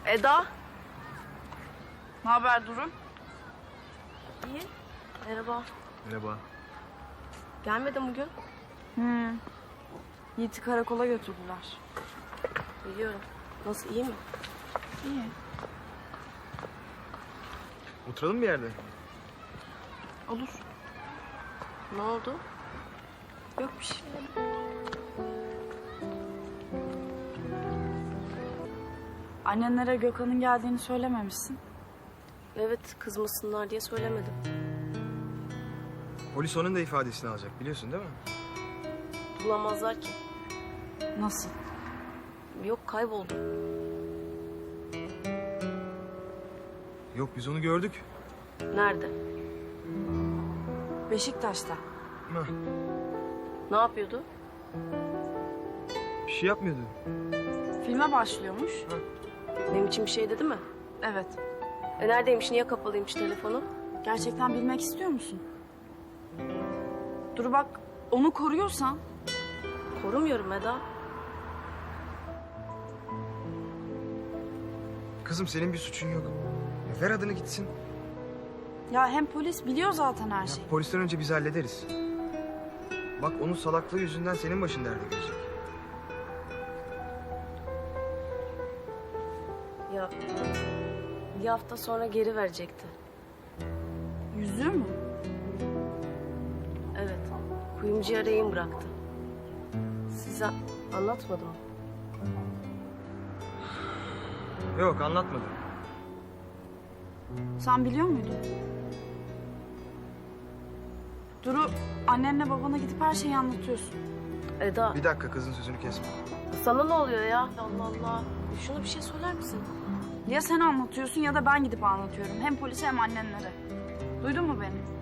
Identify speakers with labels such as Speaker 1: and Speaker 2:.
Speaker 1: Eda.
Speaker 2: Ne haber Duru?
Speaker 1: İyi. Merhaba.
Speaker 3: Merhaba.
Speaker 1: Gelmedin bugün.
Speaker 2: Yiğit'i karakola götürdüler.
Speaker 1: Biliyorum. Nasıl, iyi mi?
Speaker 2: İyi.
Speaker 3: Oturalım bir yerde.
Speaker 2: Olur.
Speaker 1: Ne oldu?
Speaker 2: Yok bir şey. Annenlere Gökhan'ın geldiğini söylememişsin.
Speaker 1: Evet, kızmasınlar diye söylemedim.
Speaker 3: Polis onun da ifadesini alacak biliyorsun değil mi?
Speaker 1: Bulamazlar ki.
Speaker 2: Nasıl?
Speaker 1: Yok, kayboldu.
Speaker 3: Yok biz onu gördük.
Speaker 1: Nerede?
Speaker 2: Beşiktaş'ta.
Speaker 3: Hah,
Speaker 1: Ne yapıyordu?
Speaker 3: bir şey yapmıyordu.
Speaker 2: Filme başlıyormuş.
Speaker 1: Benim için bir şey dedi mi?
Speaker 2: Evet.
Speaker 1: Neredeymiş, niye kapalıymış telefonu?
Speaker 2: Gerçekten bilmek istiyor musun? Dur bak, onu koruyorsan...
Speaker 1: Korumuyorum Eda.
Speaker 3: Kızım senin bir suçun yok. Ya ver adını gitsin.
Speaker 2: Ya hem polis biliyor zaten her şeyi.
Speaker 3: Polisten önce biz hallederiz. Bak onun salaklığı yüzünden senin başın derde girecek.
Speaker 1: Ya bir hafta sonra geri verecekti.
Speaker 2: Yüzüğü mü?
Speaker 1: Evet. Kuyumcuya rehin bıraktı. Size anlatmadım mı?
Speaker 3: Yok anlatmadım.
Speaker 2: Sen biliyor muydun? Duru, annenle babana gidip her şeyi anlatıyorsun.
Speaker 1: Eda,
Speaker 3: Bir dakika kızın sözünü kesme.
Speaker 1: sana ne oluyor ya? Allah Allah. Şuna bir şey söyler misin?
Speaker 2: Ya sen anlatıyorsun ya da ben gidip anlatıyorum. Hem polise hem annenlere. Duydun mu beni?